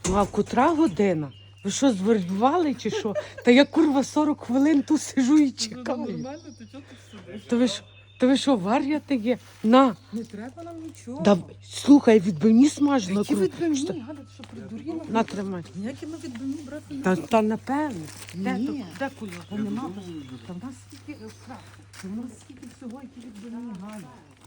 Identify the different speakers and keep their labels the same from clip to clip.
Speaker 1: Ну а котра година? Ви що, звербували чи що? Та я, курва, 40 хвилин тут сижу і чекаю.
Speaker 2: Нормально, ти чого тут сидиш?
Speaker 1: То ви що, вар'яти є? На,
Speaker 2: Не треба нам нічого.
Speaker 1: да, слухай, відбивні смажено.
Speaker 2: Які
Speaker 1: курва.
Speaker 2: відбивні? Галя, ти що придуріла?
Speaker 1: На, тримай.
Speaker 2: Ніякі ми відбивні брати не
Speaker 1: Та напевно. Де,
Speaker 2: Ні.
Speaker 1: де кульок?
Speaker 2: Та нема. Та в нас скільки страху. Та в нас скільки всього, які відбивні, Галя.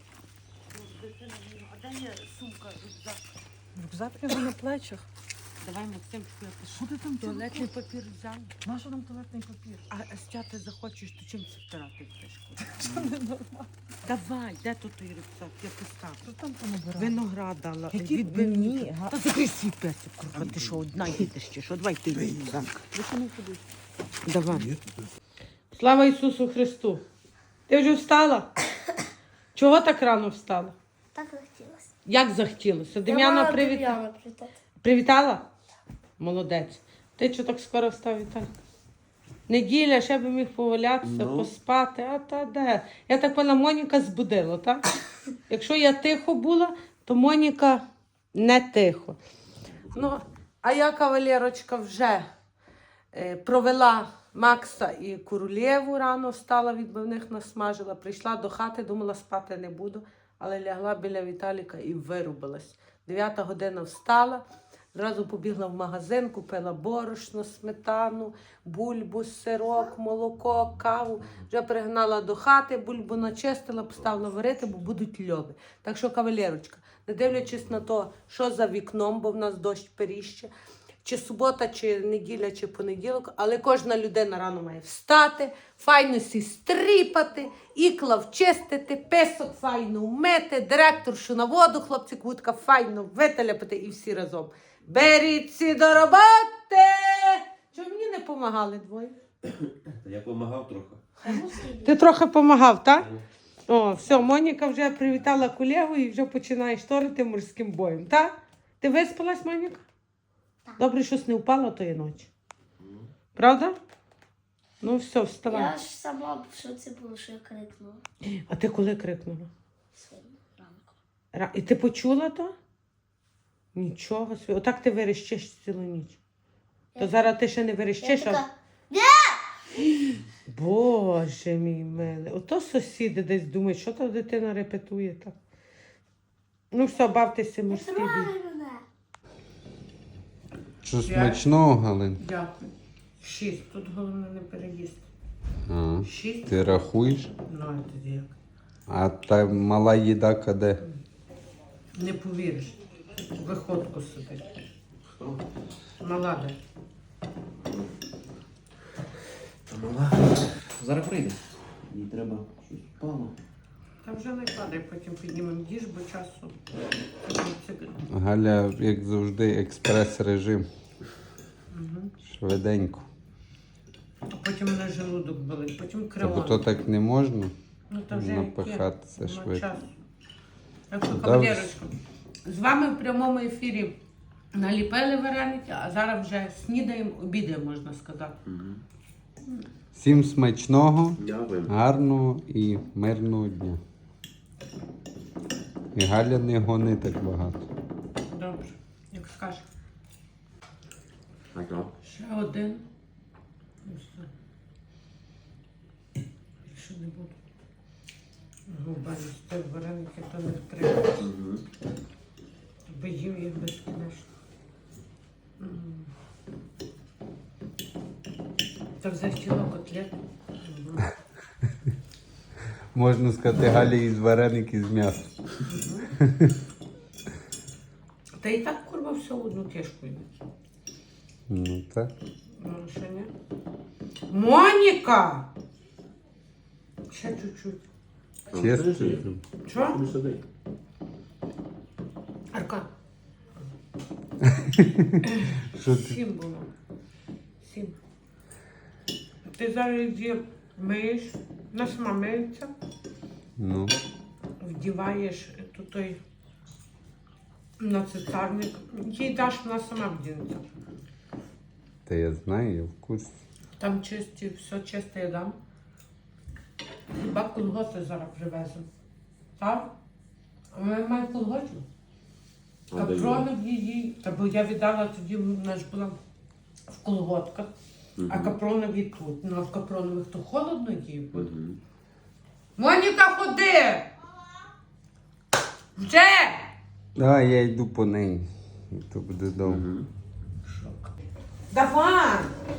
Speaker 1: А де є сумка, рюкзак?
Speaker 2: Рюкзак його на плечах.
Speaker 1: Давай, Максим,
Speaker 2: Що ти там
Speaker 1: туалетний папір взяв.
Speaker 2: Нащо нам туалетний папір?
Speaker 1: А стяти захочеш, то чим це втирати будеш?
Speaker 2: Що не нормально?
Speaker 1: Давай, де тут той рюкзак? Я поставлю.
Speaker 2: Що там понабирати?
Speaker 1: Виноград дала.
Speaker 2: Які
Speaker 1: відбивні.
Speaker 2: відбивні?
Speaker 1: Та закрий свій песик, курва, ти що, одна їдеш чи що? Давай ти рюкзак.
Speaker 2: Ви що не ходите?
Speaker 1: Давай. Слава Ісусу Христу. Ти вже встала? Чого так рано встала?
Speaker 3: Так захотілося.
Speaker 1: Як захотілося? Дем'яна привітала? Привітала? Молодець. Ти що так скоро встав, Віталій? Неділя, ще би міг повалятися, поспати, а та де? Я так поняла, Моніка збудила, так? Якщо я тихо була, то Моніка не тихо. Ну, а я, кавалерочка, вже провела Макса і Королєву, рано встала, відбивних насмажила, прийшла до хати, думала, спати не буду, але лягла біля Віталіка і вирубилась. 9 година встала, зразу побігла в магазин, купила борошно, сметану, бульбу, сирок, молоко, каву. Вже пригнала до хати, бульбу начистила, поставила варити, бо будуть льоби. Так що, кавалерочка, не дивлячись на те, що за вікном, бо в нас дощ періще, чи субота, чи неділя, чи понеділок, але кожна людина рано має встати, файно сі стріпати, ікла вчистити, песок файно вмити, директоршу на воду, хлопці кутка файно вителяпати і всі разом. Беріться до роботи! Чому мені не допомагали двоє?
Speaker 4: Я допомагав трохи.
Speaker 1: Ти трохи допомагав, так? О, все, Моніка вже привітала колегу і вже починає шторити морським боєм, так? Ти виспалась, Моніка? Добре, щось не впало тої ночі. Правда? Ну все, вставай.
Speaker 3: Я ж сама в шоці була, що я крикнула
Speaker 1: А ти коли крикнула?
Speaker 3: сьогодні ранку.
Speaker 1: І ти почула то? Нічого собі. Отак ти верещиш цілу ніч. То зараз ти ще не
Speaker 3: Я
Speaker 1: верещиш, а...
Speaker 3: така,
Speaker 1: Боже мій милий. Ото сусіди десь думають, що та дитина репетує так. Ну все, бавтеся
Speaker 3: не
Speaker 1: морський бій.
Speaker 3: трогай мене.
Speaker 5: Що смачного, Галин?
Speaker 1: Дякую. 6. Тут головне не переїсти.
Speaker 5: А,
Speaker 1: 6?
Speaker 5: ти рахуєш?
Speaker 1: Ну, а тоді як?
Speaker 5: А та мала їда де?
Speaker 1: Не повіриш. Виходку сидить.
Speaker 4: Хто?
Speaker 1: Мала де.
Speaker 4: Мала. Зараз прийде. Їй треба щось впало.
Speaker 1: Та вже не падай, потім піднімемо їж, бо часу.
Speaker 5: Галя, як завжди, експрес-режим. Швиденько.
Speaker 1: А потім на желудок болить, потім
Speaker 5: Та
Speaker 1: кривоно.
Speaker 5: бо то так не можна
Speaker 1: Ну, та вже
Speaker 5: напихатися
Speaker 1: яке? Нема
Speaker 5: швидко.
Speaker 1: часу. Так що,
Speaker 5: Да,
Speaker 1: кавалерочка, з вами в прямому ефірі наліпили вареники, а зараз вже снідаємо, обідаємо, можна сказати.
Speaker 5: Всім смачного,
Speaker 4: Дякую.
Speaker 5: гарного і мирного дня. І Галя не гони так багато.
Speaker 1: Добре, як скажеш.
Speaker 4: Ага.
Speaker 1: Ще один. І все. Більше не буду. Губа їсти вареники, то не втримаєш.
Speaker 4: Угу.
Speaker 1: Бо їм їх безкінечно. Та захотіла котлет.
Speaker 5: Можна сказати, Галі із вареники з м'ясом.
Speaker 1: Та і так, курва, все в одну кишку йде.
Speaker 5: Ну так.
Speaker 1: Ну, ще ні. Моніка! Ще чуть-чуть.
Speaker 5: Чесно.
Speaker 1: Що?
Speaker 4: Не сиди.
Speaker 1: Арка.
Speaker 5: Що ти?
Speaker 1: 7 було. 7. Ти зараз її миєш, вона сама миється,
Speaker 5: Ну,
Speaker 1: вдіваєш той на цицарник. Їй даш, вона сама вдінеться.
Speaker 5: та я знаю, я в курсі.
Speaker 1: Там чисті, все чисте я дам. Хіба колготи зараз привеземо. Так? А ми маємо колготів? Капронові їй, бо я віддала тоді, вона ж була в колготках, а капронові тут. Ну, а в капронових то холодно їй буде. Моніка, ходи! Вже!
Speaker 5: Давай я йду по неї. То буде довго.
Speaker 1: Давай!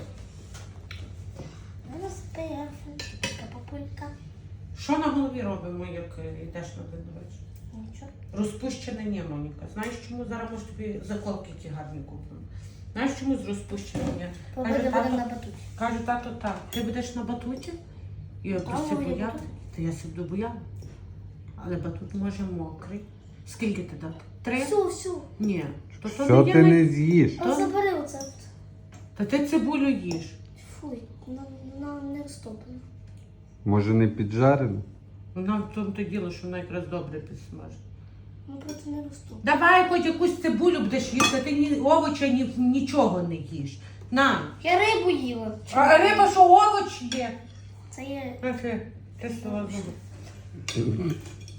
Speaker 3: Розпияв. Папулька.
Speaker 1: Що на голові робимо, як йдеш на день народження?
Speaker 3: Нічого.
Speaker 1: Розпущене ні, Моніка. Знаєш чому? Зараз може тобі заколки які гарні купимо. Знаєш чому з розпущеним ні?
Speaker 3: Погода буде на батуті.
Speaker 1: Каже, тато, так. Ти будеш на батуті? І я
Speaker 3: Ау,
Speaker 1: просто
Speaker 3: я
Speaker 1: бояти.
Speaker 3: батут.
Speaker 1: Та я себе бояла. Але батут може мокрий. Скільки ти дати? 3?
Speaker 3: Всю.
Speaker 1: Ні. То
Speaker 5: Що
Speaker 1: є
Speaker 5: ти не з'їш?
Speaker 3: А забери оце.
Speaker 1: Та ти цибулю їш.
Speaker 3: Фуй, не розтоплено.
Speaker 5: Може не піджарено?
Speaker 1: Вона в тому то діло, що вона якраз добре підсмажить.
Speaker 3: Ну, проти не розтоплено.
Speaker 1: Давай хоч якусь цибулю будеш їсти, ти ні овоча, нічого не їш. На.
Speaker 3: Я рибу їла.
Speaker 1: А риба, що овоч є?
Speaker 3: Це є.
Speaker 1: Ти слова зуби.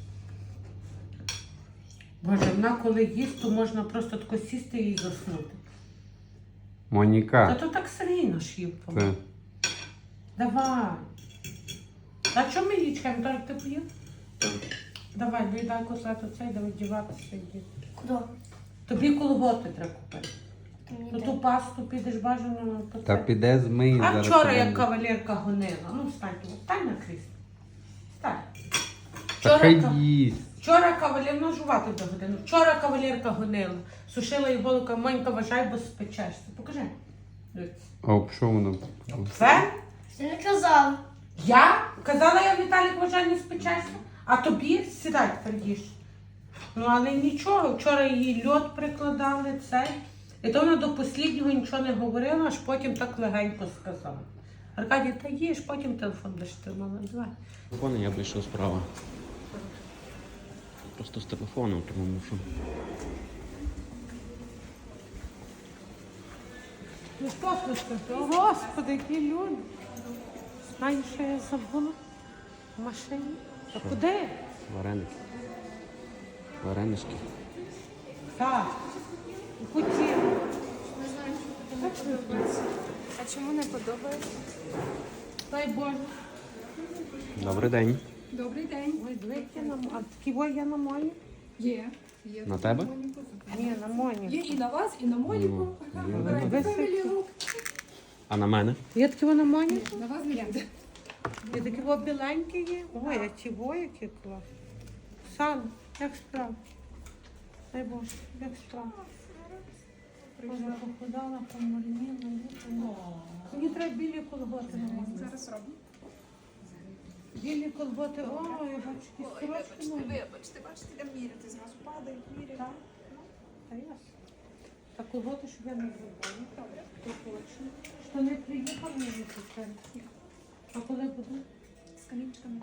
Speaker 1: Боже, вона коли їсть, то можна просто тако сісти і заснути. Та
Speaker 5: Моніка.
Speaker 1: то так Сергійно ж їв.
Speaker 5: Це.
Speaker 1: Давай. А чому ми її чекаємо? Так, ти поїв? Давай, доїдай котлету цей, давай діватися йди.
Speaker 3: Куди?
Speaker 1: Тобі колготи треба купити.
Speaker 3: Ти мені
Speaker 1: Ну
Speaker 3: дай.
Speaker 1: ту пасту підеш бажано по
Speaker 5: Та
Speaker 1: це.
Speaker 5: піде змий
Speaker 1: А
Speaker 5: зараз.
Speaker 1: вчора
Speaker 5: підемо.
Speaker 1: як кавалерка гонила. Ну встань, встань на крісло. Встань.
Speaker 5: Та хай
Speaker 1: ка-
Speaker 5: їсть.
Speaker 1: Вчора кавалер, ну жувати до годину. Вчора кавалерка гонила. Сушила їй голука, Монька, вважай, бо спечешся. Покажи.
Speaker 5: А об що воно?
Speaker 1: Це?
Speaker 3: Ти не казав.
Speaker 1: Я? Казала я, Віталік, вважай, не спечешся. А тобі сідай тепер їж. Ну але нічого, вчора її льод прикладали, цей. І то вона до останнього нічого не говорила, аж потім так легенько сказала. Аркадій, та їж, потім телефон будеш тримала. Давай.
Speaker 4: Телефон я вийшов справа. Просто з телефоном, тому що.
Speaker 1: Ну що слухай? О, Господи, які люди. Знаєш, що я забула? В машині. А куди?
Speaker 4: Вареники. Варенички.
Speaker 1: Так. Хотіла.
Speaker 6: А чому не подобається?
Speaker 1: Дай Боже.
Speaker 4: Добрий день.
Speaker 6: Добрий день.
Speaker 1: Ой, двійки на а такі є на Моні?
Speaker 6: Є.
Speaker 4: На тебе?
Speaker 1: Ні, на Моні.
Speaker 6: Є і на вас, і на Моніку.
Speaker 1: Ви
Speaker 6: Фемілі рук.
Speaker 4: А на мене?
Speaker 1: Є такі на Моні?
Speaker 6: На вас не буде.
Speaker 1: Є такі біленькі є. Ой, а ті які клас. Сан, як справа? Дай Боже, як справа? Боже, похудала, помарніла. Мені треба білі колготи.
Speaker 6: Зараз робимо.
Speaker 1: Білі колготи, ой, я бачу, які сорочки нові.
Speaker 6: Бачите, де міряти. Зразу падають, міряють.
Speaker 1: Так, та ясно. Та колготи, щоб я не забула. Добре. То точно. Що не приїхав, не випустили. А коли буду?
Speaker 6: З камінчиками.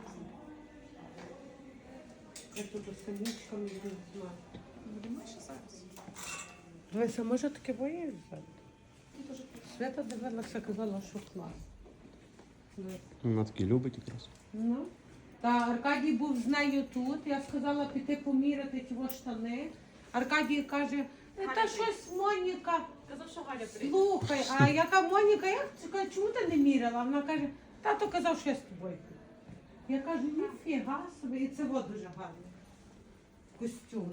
Speaker 1: Я тут з камінчиками не знаю.
Speaker 6: Будемо ще зараз.
Speaker 1: Дивися, може таке боїться? Свята дивилася, казала, що клас.
Speaker 4: Вона таки любить якраз.
Speaker 1: Ну. Та Аркадій був з нею тут. Я сказала піти поміряти ті штани. Аркадій каже, та щось Моніка.
Speaker 6: Казав, що Галя
Speaker 1: Слухай, а яка Моніка, чому ти не міряла? Вона каже, тато казав, що я з тобою. Я кажу, ніфіга собі, і це вот дуже гарно. Костюм.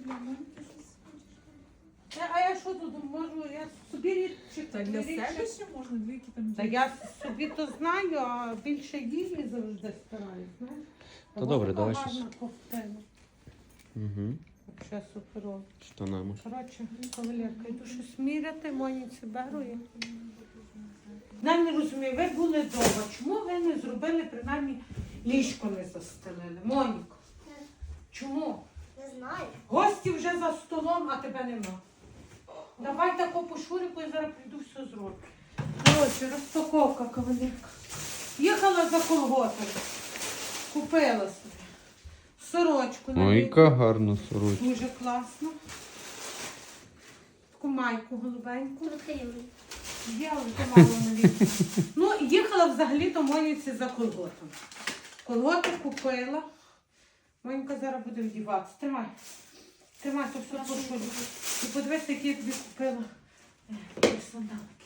Speaker 1: А я що тут можу? Я собі рідчик.
Speaker 6: Так, для себе ще можна двійки там.
Speaker 1: Та я собі то знаю, а більше її завжди стараюсь, знаєш.
Speaker 4: Та добре,
Speaker 1: Така
Speaker 4: давай
Speaker 1: гарна
Speaker 4: щось.
Speaker 1: ковтина.
Speaker 4: Угу.
Speaker 1: Взагалі суперово.
Speaker 4: Штанами.
Speaker 1: Коротше, кавалерка, йду щось міряти, Моніці беру і... Я не розумію, ви були вдома, чому ви не зробили, принаймні, ліжко не застелили? Моніко, чому?
Speaker 3: Не знаю.
Speaker 1: Гості вже за столом, а тебе нема. Давай тако по шурику, я зараз прийду, все зроблю. Коротше, розпаковка, кавалерка. Їхала за колготами. Купила собі. Сорочку.
Speaker 5: Ой, яка гарна сорочка.
Speaker 1: Дуже класно. Таку майку голубеньку.
Speaker 3: Відкрили.
Speaker 1: Я вже мало навіть. Ну, їхала взагалі до Моніці за колготом. Колготи купила. Монька зараз буде вдіватися. Тримай. Тримай, то все порушую. І подивись, які я тобі купила. Сандалки.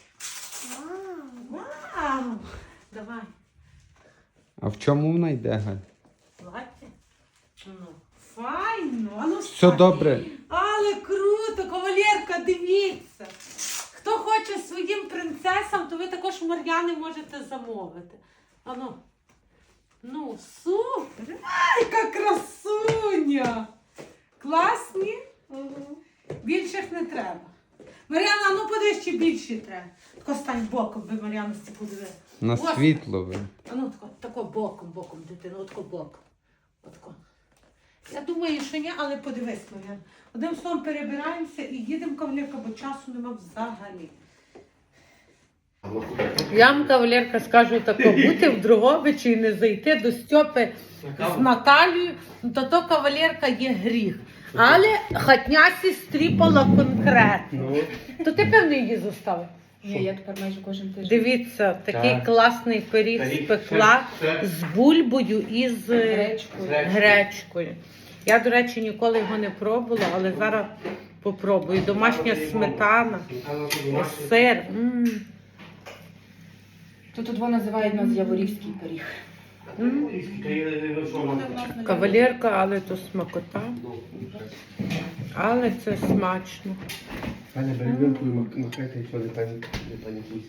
Speaker 1: Вау! Давай.
Speaker 5: А в чому вона йде, Галь?
Speaker 1: Плаття. Ну, файно. А ну,
Speaker 5: Все
Speaker 1: встань.
Speaker 5: добре.
Speaker 1: Але круто, кавалерка, дивіться. Хто хоче своїм принцесам, то ви також Мар'яни можете замовити. Ану. Ну, супер. Ай, яка красуня. Класні? Більших не треба. Мар'яна, ну подивись, чи більші треба. Тако стань боком, би Мар'яна сті подивила.
Speaker 5: На
Speaker 1: Ось.
Speaker 5: світло ви.
Speaker 1: А ну тако боком, дитина, отако боком. Отако. Я думаю, що ні, але подивись, Мар'яна. Одним словом перебираємося і їдемо, кавалерка, бо часу нема взагалі. Я вам, кавалерка, скажу тако, бути в Дрогобичі і не зайти до Стьопи з Наталією, то кавалерка є гріх. Але хатнясі стріпала конкретно. То ти, певно, її заставив?
Speaker 6: Ні, я тепер майже кожен тиждень.
Speaker 1: Дивіться, такий класний пиріг спекла з бульбою і з гречкою. Я, до речі, ніколи його не пробувала, але зараз попробую. Домашня сметана, сир.
Speaker 2: Тут два називають нас Яворівський пиріг.
Speaker 1: Кавалерка, але то смакота. Але це смачно.
Speaker 7: Пані Берегинку і макайте, якщо не панікуйся.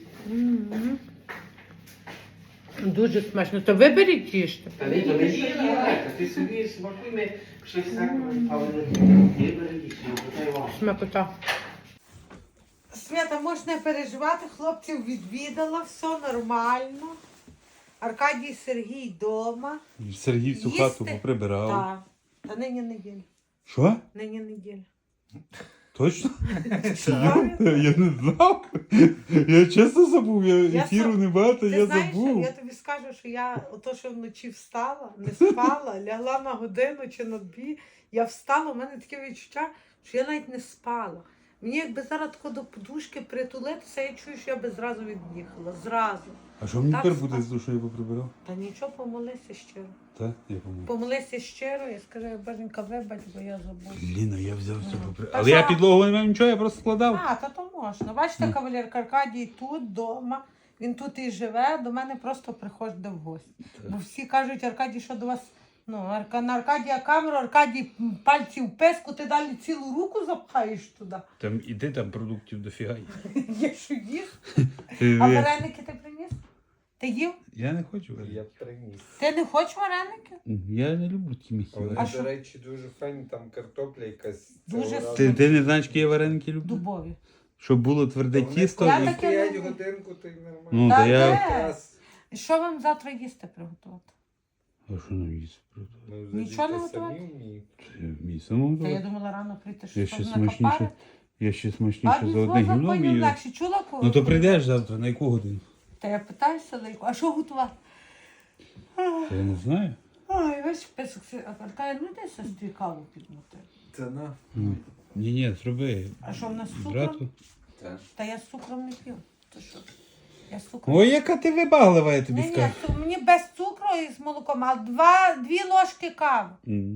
Speaker 1: Дуже смачно. То виберіть їжте.
Speaker 7: Та ні, то не їй, ти собі смакуй, щось так, але не берегіться, питай вам.
Speaker 1: Смакота. Свята, можеш не переживати, хлопців відвідала, все нормально. Аркадій Сергій вдома.
Speaker 5: Сергій всю
Speaker 1: Їсти?
Speaker 5: хату поприбирав.
Speaker 1: Так. Та нині неділя.
Speaker 5: Що?
Speaker 1: Нині неділя.
Speaker 5: Точно?
Speaker 1: Я-
Speaker 5: Я не знав. Я чесно забув,
Speaker 1: Я
Speaker 5: ефіру
Speaker 1: сам-
Speaker 5: небагато,
Speaker 1: Ти
Speaker 5: я
Speaker 1: знаєш,
Speaker 5: забув.
Speaker 1: я тобі скажу, що я ото, що вночі встала, не спала, лягла на годину чи на дві, я встала, у мене таке відчуття, що я навіть не спала. Мені якби зараз тако до подушки притулитися, я чую, що я би зразу від'їхала. Зразу.
Speaker 5: А що мені
Speaker 1: Так,
Speaker 5: тепер буде
Speaker 1: так.
Speaker 5: з душою поприбирав?
Speaker 1: Та нічого, помолися щиро.
Speaker 5: Так, я помню.
Speaker 1: Помолися щиро і скажи, Боженька, вибач, бо я забула.
Speaker 5: Ліна, я взяв все поприбирав.
Speaker 1: Та
Speaker 5: Але я
Speaker 1: що?
Speaker 5: підлогу не мав нічого, я просто складав.
Speaker 1: А, та то можна. Бачите, кавалерка Аркадій тут, вдома. Він тут і живе, до мене просто приходить в гості. Бо всі кажуть, Аркадій, що до вас, ну, на Аркадія камеру, Аркадій пальці в песку, ти далі цілу руку запхаєш туди.
Speaker 5: Там іди, там продуктів дофіга.
Speaker 1: Є що їх. А вареники ти приніс? Ти їв?
Speaker 5: Я не хочу.
Speaker 7: Я приніс.
Speaker 1: Ти не хочеш вареники?
Speaker 5: Я не люблю ті місця.
Speaker 1: А
Speaker 7: Вони,
Speaker 1: що?
Speaker 7: до речі, дуже файні, там картопля якась.
Speaker 1: Дуже
Speaker 7: цього разу.
Speaker 5: Ти не знаєш, які я вареники люблю?
Speaker 1: Дубові.
Speaker 5: Щоб було тверде
Speaker 7: Та вони
Speaker 5: тісто.
Speaker 1: Я
Speaker 5: і-
Speaker 1: таке
Speaker 7: стоять
Speaker 1: люблю.
Speaker 7: годинку, то й нормально.
Speaker 5: Ну,
Speaker 1: Та
Speaker 5: та я...
Speaker 1: де?
Speaker 7: Якраз,
Speaker 1: Що вам завтра їсти приготувати?
Speaker 5: А що нам їсти?
Speaker 7: ну,
Speaker 1: Нічого не
Speaker 7: задіти самі
Speaker 1: готувати?
Speaker 7: вміють.
Speaker 5: Мій самого
Speaker 1: Та я
Speaker 5: добре.
Speaker 1: думала рано прийти,
Speaker 5: Я
Speaker 1: що
Speaker 5: ще
Speaker 1: там
Speaker 5: смачніше.
Speaker 1: накопали.
Speaker 5: Я ще
Speaker 1: А
Speaker 5: смачніше за одне гімно
Speaker 1: законів
Speaker 5: вмію.
Speaker 1: легше. Чула кого?
Speaker 5: Ну то прийдеш завтра, на яку годину?
Speaker 1: Та я питаюся, а що готувати?
Speaker 5: Та я не знаю.
Speaker 1: Ай, ось песок, Аркадій, ну де сестрі каву підмути?
Speaker 7: Та на.
Speaker 5: Ні, зроби.
Speaker 1: А що в нас з цукром?
Speaker 5: Брату.
Speaker 7: Та.
Speaker 1: Та я з цукром не п'ю. То що? Я з цукром.
Speaker 5: Ой, яка ти вибаглива, я тобі
Speaker 1: Ні,
Speaker 5: скажу.
Speaker 1: мені без цукру і з молоком, а дві ложки кави.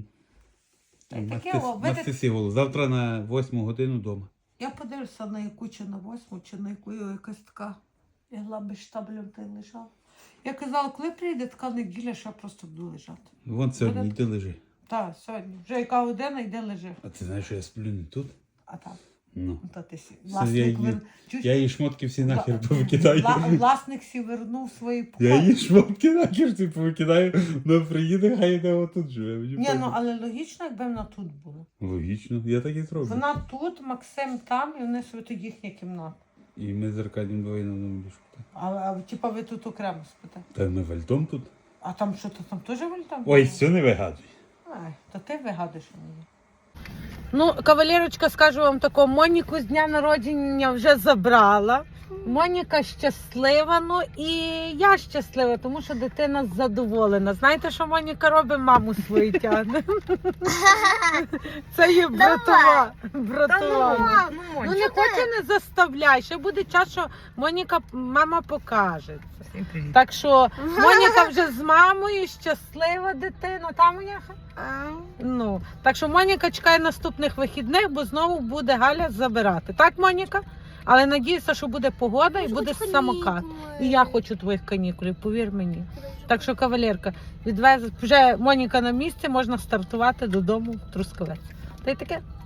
Speaker 1: Та й таке, о, видите,
Speaker 5: Мастися голову. Завтра на 8 годину вдома.
Speaker 1: я подивлюся на яку, чи на 8, чи на яку якась така лягла без штаблем та й лежала. Я казала, коли прийде така неділя, що я просто буду лежати.
Speaker 5: Вон сьогодні
Speaker 1: Буде-
Speaker 5: йди лежи.
Speaker 1: Так, сьогодні. Вже яка година, йде лежи.
Speaker 5: А ти знаєш, що я сплю не тут?
Speaker 1: А так,
Speaker 5: Ну.
Speaker 1: то ти сі.
Speaker 5: я
Speaker 1: Власник,
Speaker 5: її-
Speaker 1: чуєш?
Speaker 5: Я її шмотки всі нахер повикидаю.
Speaker 1: Власник сі вернув свої
Speaker 5: Я
Speaker 1: покої.
Speaker 5: її шмотки нахер всі повикидаю. Вона приїде, хай йде отут живе. Мені
Speaker 1: Ні,
Speaker 5: пофіг.
Speaker 1: ну але логічно, якби вона тут була.
Speaker 5: Логічно, я так і зроблю.
Speaker 1: Вона тут, Максим там, і вони собі тут їхня кімната.
Speaker 5: І ми з Аркадієм двоє на одному ліжку.
Speaker 1: А типа ви тут окремо спите.
Speaker 5: Та ми вальтом тут.
Speaker 1: А там що, то там теж вольтам?
Speaker 5: Ой, все не вигадуй.
Speaker 1: Ай, то ти вигадуєш мені. Ну, кавалерочка, скажу вам тако, Моніку з дня народження вже забрала. Моніка щаслива, ну і я щаслива, тому що дитина задоволена. Знаєте, що Моніка робить? Маму свою тягне. Це є братова. Братова. Ну не хоче, не заставляй. Ще буде час, що мама покаже.
Speaker 2: Всім привіт.
Speaker 1: Так що Моніка вже з мамою, щаслива дитина. Та, Моняха? Ну, так що Моніка чекає наступних вихідних, бо знову буде Галя забирати. Так, Моніка? Але надіюся, що буде погода і буде самокат. І я хочу твоїх канікулів, повір мені. Так що, кавалерка, вже Моніка на місці, можна стартувати додому в Трускавець. Та й таке.